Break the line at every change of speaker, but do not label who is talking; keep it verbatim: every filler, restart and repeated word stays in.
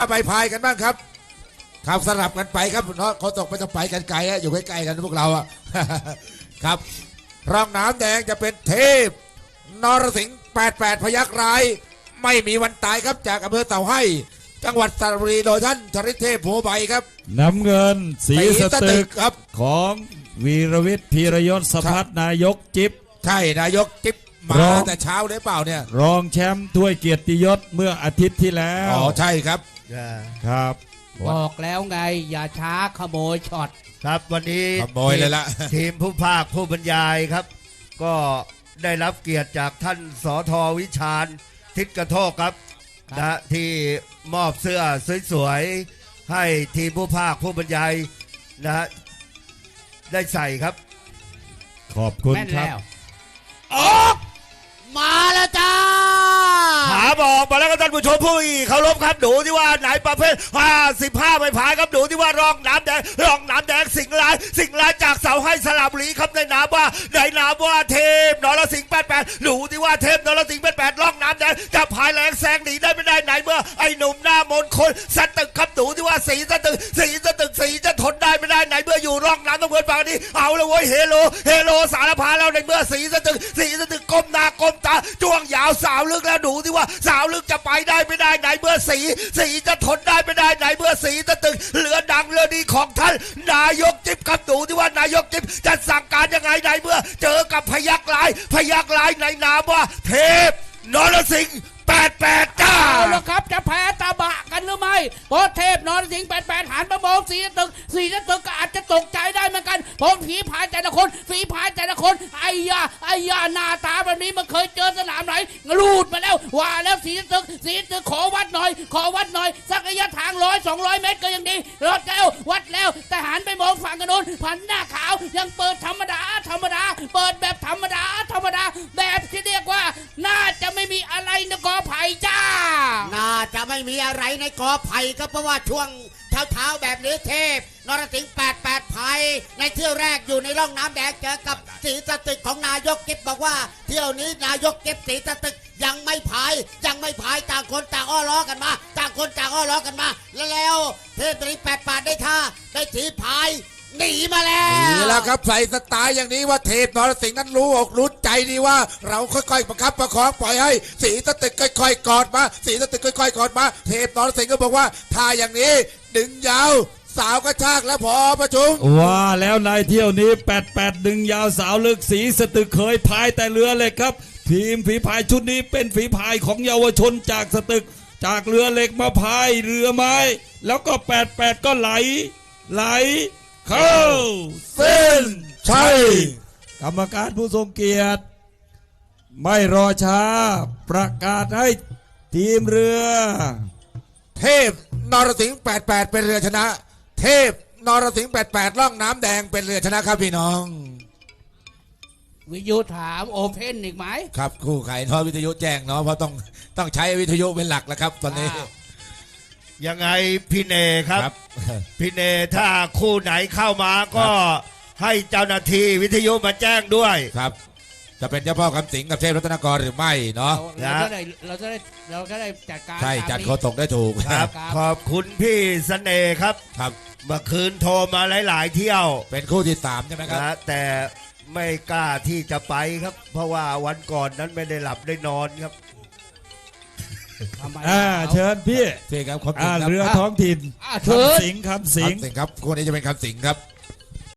ไปพายกันบ้างครับครับสลับกันไปครับเนาะเขาตกไปจะไปกันไกลฮะอยู่ใกล้ๆกันพวกเราอะ ครับร่องน้ำแดงจะเป็นเทพนรสิงห์แปดแปดพยัคฆ์ร้ายไม่มีวันตายครับจากอำเภอเต่าให้จังหวัดสระบุรีโดยท่านชริเทพโพใบครับ
น้ำเงินสีสตึก
ครับ
ของวีรวิทย์พีรยศสภัทรนายกจิ๊บ
ใช่นายกจิ๊บมา
ร้อง
แต่เช้าเลยเปล่าเนี่ย
รองแชมป์ถ้วยเกียรติยศเมื่ออาทิตย์ที่แล้ว
อ๋อใช่ครับ
ครับ
บอกแล้วไงอย่าช้าขโมยช็อต
ครับวันนี้
ขโมยเลยละ
ทีมผู้ภาคผู้บรรยายครับ ก็ได้รับเกียรติจากท่านสทวิชาญทิศกระโทกครับนะที่มอบเสื้อสวยๆให้ทีมผู้ภาคผู้บรรยายนะฮะได้ใส่ครับ
ขอบคุณ
แม่น
ครับ
แล้วออกมาแล้วจ้า
หาบอกมาแล้วก็ท่านผู้ชมผู้เคารพครับดูที่ว่าไหนประเภทห้าสิบห้าไม่ผายครับดูที่ว่ารองน้ำแดงรองน้ำแดงสิงห์ลายสิงห์ลายจากเสาให้สระบุรีครับในนามว่าในนามว่าเทพนรสิงห์แปดแปดดูที่ว่าเทพนรสิงห์แปดแปดรองน้ำแดงจะพายแรงแซงหนีได้ไม่ได้ไหนเมื่อไอ้หนุ่มหน้ามนต์คนสตึกครับดูที่ว่าสีสตึกสีสตึกสีจะทนได้ไม่ได้ไหนเมื่ออยู่ร่องน้ำต้องเพื่อนฝั่งนี้เอาละเว้ยเฮโลเฮโลสารพาแล้วในเมื่อสีสตึกสีสตึกก้มหน้าก้มตาจ้วงยาวสาวลึกแล้วดูที่ว่าสาวลึกจะไปได้ไม่ได้ไหนเมื่อสีสีจะทนได้ไม่ได้ไหนเมื่อสีสตึกเรือดังเรือดีของท่านนายกจิ๊บครับดูที่ว่านายกจิ๊บจะสั่งการยังไงไหนเมื่อเจอกับพยัคฆ์ลายพยัคฆ์ลายในนามว่าเทพนรสิงห์แปดแปดจ้า
เอาละครับจะแพ้ตาบะกันหรือไม่เพราะเทพนรสิงห์แปดแปดหันมามองสีตึกสีตึกก็อาจจะตกใจได้เหมือนกันเพราะฝีพายแต่ละคนฝีพายแต่ละคนไอ้ยาไอ้ยาหน้าตาแบบนี้มันเคยเจอสนามไหนรูดมาแล้วว่าแล้วสีตึกสีตึกขอวัดหน่อยขอวัดหน่อยสักระยะทางร้อยสองร้อยเมตรก็ยังดีรอดแล้ววัดแล้วแต่หันไปมองฝั่งกันโน้นพันหน้าขาวยังเปิดธรรมดาธรรมดาเปิดแบบธรรมดาธรรมดาแบบที่เรียกว่าน่าจะไม่มีอะไรนะกอไผ่จ้า
น่าจะไม่มีอะไรในกอไผ่ก็เพราะว่าช่วงเช้าๆแบบนี้เทพนรสิงห์แปดแปดไผ่ในเที่ยวแรกอยู่ในร่องน้ำแดงเจอกับสีสตึกของนายกเก็บบอกว่าเที่ยวนี้นายกเก็บสีสตึกยังไม่พายยังไม่พายต่างคนต่างอ้อล้อกันมาต่างคนต่างอ้อล้อกันมาแล้วแล้วเทพนรสิงห์แปดแปดได้ท่าได้ถีพายหนีมาแล้ว
นี่แล้วครับใส่สไตล์อย่างนี้ว่าเทพนรสิงห์นั้นรู้อกรู้ใจดีว่าเราค่อยๆประคับประคองปล่อยให้สีสตึกค่อยๆกอดมาสีสตึกค่อยๆกอดมาเทพนรสิงห์ก็บอกว่าท่าอย่างนี้ดึงยาวสาวกระชากแล้วพอประชุม
ว่าแล้วในเที่ยวนี้แปดแปดดึงยาวสาวลึกสีสตึกเคยพายแต่เรือเหล็กครับทีมฝีพายชุดนี้เป็นฝีพายของเยาวชนจากสตึกจากเรือเหล็กมาพายเรือไม้แล้วก็แปดแปดก็ไหลไหลเข้าเส้นชัยกรรมการผู้ทรงเกียรติไม่รอช้าประกาศให้ทีมเรือ
เทพนรสิงห์แปดแปดเป็นเรือชนะ เทพนรสิงห์แปดแปดล่องน้ำแดงเป็นเรือชนะครับพี่น้อง
วิทยุถามโอเพนอีกไหม
ครับคู่ไข่ทอวิทยุแจ้งเนาะเพราะต้องต้องใช้วิทยุเป็นหลักแล้วครับตอนนี้
ยังไงพี่เนครับพี่เนถ้าคู่ไหนเข้ามาก็ให้เจ้าหน้าที่วิทยุมาแจ้งด้วย
ครับจะเป็นเจ้าพ่อคำสิงกับเทพรัตนกรหรือไม่เนาะ
เราจะได้เราจะได้เราจะได้จัดการ
ใช่จัดโคตกได้ถูก
ครับขอบคุณพี่เสน่ห์ครับ
ครับ
เมื่อคืนโทรมาหลายๆเที่ยว
เป็นคู่ที่สามใช่ไหมครับ
แต่ไม่กล้าที่จะไปครับเพราะว่าวันก่อนนั้นไม่ได้หลับได้นอนครับ
อ่าเชิญพี่
พี่ครับ
อ่าเรือท้องถิ่น
คำ
สิงคำสิง
ครับคู่นี้จะเป็นคำสิงครับ